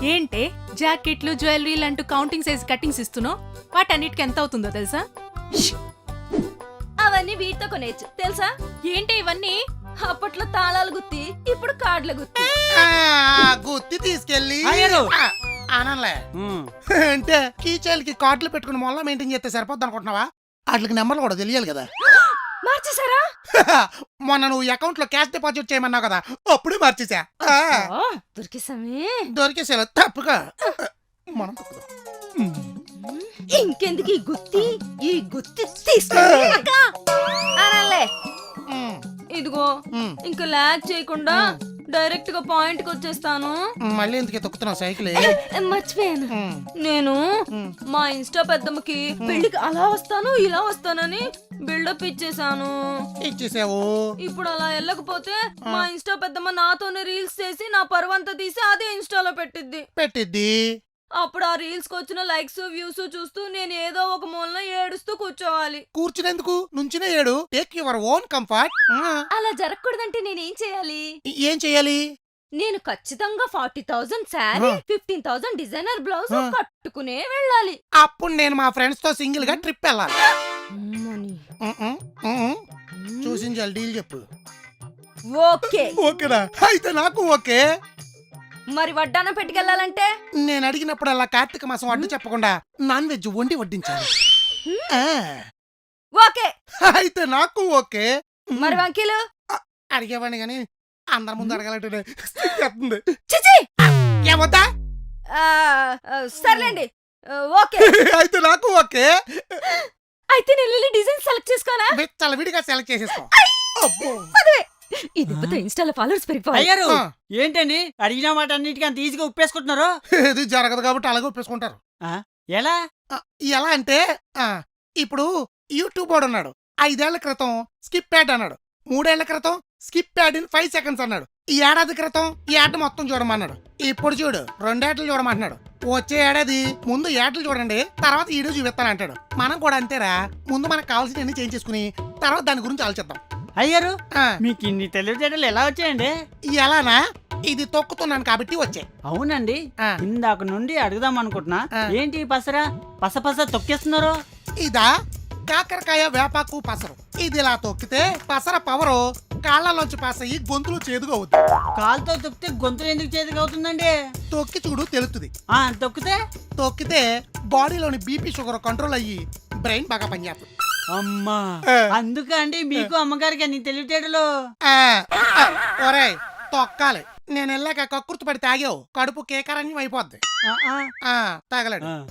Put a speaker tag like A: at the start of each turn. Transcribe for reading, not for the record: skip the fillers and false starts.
A: ఏంటే జాకెట్లు జ్యువెలరీలు అంటూ కౌంటింగ్ సైజ్ కట్టింగ్స్ ఇస్తున్నావు? వాటన్నిటికి ఎంత అవుతుందో తెలుసా?
B: అవన్నీ వీటితో కొనేచ్చు తెలుసా?
A: ఏంటి ఇవన్నీ?
B: అప్పట్లో తాళాలు గుత్తి, ఇప్పుడు కార్డుల గుత్తి.
C: గుత్తి తీసుకెళ్ళి
D: అయ్యారు.
C: ఆనంలే అంటే కీచైల్కి కార్డులు పెట్టుకుని మొల్ల మెయింటైన్ చేస్తే సరిపోద్ది అనుకుంటున్నావా? వాటికి నెంబర్లు కూడా తెలియాలి కదా.
B: మార్చేసారా?
C: మొన్న నువ్వు అకౌంట్ లో క్యాష్ డిపాజిట్ చేయమన్నావు కదా, అప్పుడే మార్చేసా.
B: దొరికేసామే.
C: దొరికేసా తప్పుగా మనం తప్పుదాం.
B: ఇంకెందుకు ఈ గుత్తి తీసుకెళ్ళి అనాలే. ఇదిగో ఇంకా లాగ్ చేయకుండా డైరెక్ట్ గా పాయింట్ కి వచ్చేస్తాను.
C: మళ్ళీ ఎందుకు తొక్కుతున్నావు సైకిల్?
B: మర్చిపోయాను, నేను మా ఇన్స్టా పెద్దమ్మకి పెళ్లికి అలా వస్తాను ఇలా వస్తానని బిల్డప్ ఇచ్చేసాను.
C: ఇచ్చేసావు.
B: ఇప్పుడు అలా వెళ్ళకపోతే మా ఇన్స్టా పెద్దమ్మ నాతోనే రీల్స్ చేసి నా పరువంతా తీసి అదే ఇన్స్టాలో పెట్టిద్ది. అప్పుడు ఆ రీల్స్ కి వచ్చిన లైక్స్ వ్యూస్ చూస్తూ నేను ఏదో ఒక మూలన ఏడుస్తూ కూర్చోవాలి.
C: కూర్చునేందుకు? నుంచునే ఏడు. Take your own comfort.
B: అలా జరగకూడదంటే నేనేం చేయాలి?
C: ఏం చేయాలి?
B: నేను ఖచ్చితంగా 40,000 శారీ, 15,000 డిజైనర్ బ్లౌజ్ కట్టుకునే వెళ్ళాలి.
C: అప్పుడు నేను మా ఫ్రెండ్స్ తో సింగిల్ గా ట్రిప్ వెళ్ళాలి. చూసించాలి. డీల్ చెప్పు.
B: ఓకే.
C: ఓకేనా? అయితే నాకు ఓకే.
B: మరి వడ్డానం పెట్టుకెళ్ళాలంటే?
C: నేను అడిగినప్పుడు అలా కార్తీక మాసం అడ్డు చెప్పకుండా నాన్ వెజ్ వండి వడ్డించాలి.
B: ఓకే.
C: అయితే నాకు ఓకే.
B: మరి వంకీలు?
C: అడిగేవాడిని గాని అందరి ముందు అడగాలంటే
B: చిచి
C: ఏమొద్దా?
B: సర్లేండి, ఓకే.
C: అయితే నాకు ఓకే.
B: అయితే నేను డిజైన్ సెలెక్ట్ చేసుకోనా?
C: చాలా విడిగా సెలెక్ట్ చేసేసుకో. అబ్బో.
B: ఇది ఇన్స్టాలో ఫాలోవర్స్ పెరిగిపోవాలి.
D: అయ్యారు ఏంటండి అడిగిన మాట అన్నిటికీ అంత ఈజీగా ఉప్పేసుకుంటున్నారు?
C: ఇది జరగదు కాబట్టి అలాగే ఒప్పేసుకుంటారు.
D: ఎలా
C: ఎలా అంటే ఇప్పుడు యూట్యూబ్ వాడు ఉన్నాడు. 5 ఏళ్ల క్రితం స్కిప్ యాడ్ అన్నాడు. 3 ఏళ్ల క్రితం స్కిప్ యాడ్ ఇన్ 5 seconds అన్నాడు. ఈ ఏడాది క్రితం ఈ యాడ్ మొత్తం చూడమన్నాడు. ఇప్పుడు చూడు 2 ఏటలు చూడమంటున్నాడు. వచ్చే ఏడాది ముందు ఏటలు చూడండి, తర్వాత వీడియో చూపిస్తానంటాడు. మనం కూడా అంతేరా, ముందు మనకు కావాల్సినవన్నీ చేంజ్ చేసుకుని తర్వాత దాని గురించి ఆలోచిద్దాం.
D: అయ్యారు మీకు ఇన్ని తెలివితేటలు ఎలా వచ్చాయండి?
C: ఎలానా? ఇది తొక్కుతున్నాను కాబట్టి వచ్చాయి.
D: అవునండి, ఇందాక నుండి అడుగుదాం అనుకుంటున్నా. ఏంటి పసరా పస తొక్కేస్తున్నారు?
C: ఇదా కాకరకాయ వేపాకు పసరు. ఇది ఇలా తొక్కితే పసర పవరు కాళ్ళలోంచి పాస్ అయ్యి గొంతులు చేదుగా అవుతుంది.
D: కాలుతో తొక్కితే గొంతులు ఎందుకు చేదుగా అవుతుందండి?
C: తొక్కి చూడు తెలుస్తుంది. తొక్కితే బాడీలోని బీపీ షుగర్ కంట్రోల్ అయ్యి బ్రెయిన్ బాగా పనిచేస్తుంది.
D: అమ్మా, అందుకే అండి మీకు అమ్మగారికి అన్ని తెలివితేటలు.
C: ఒరేయ్ తొక్కాలి. నేను వెళ్ళాక కక్కుర్తి పడి తాగావు, కడుపు కేకరణ్యం అయిపోద్ది. తాగలేడు.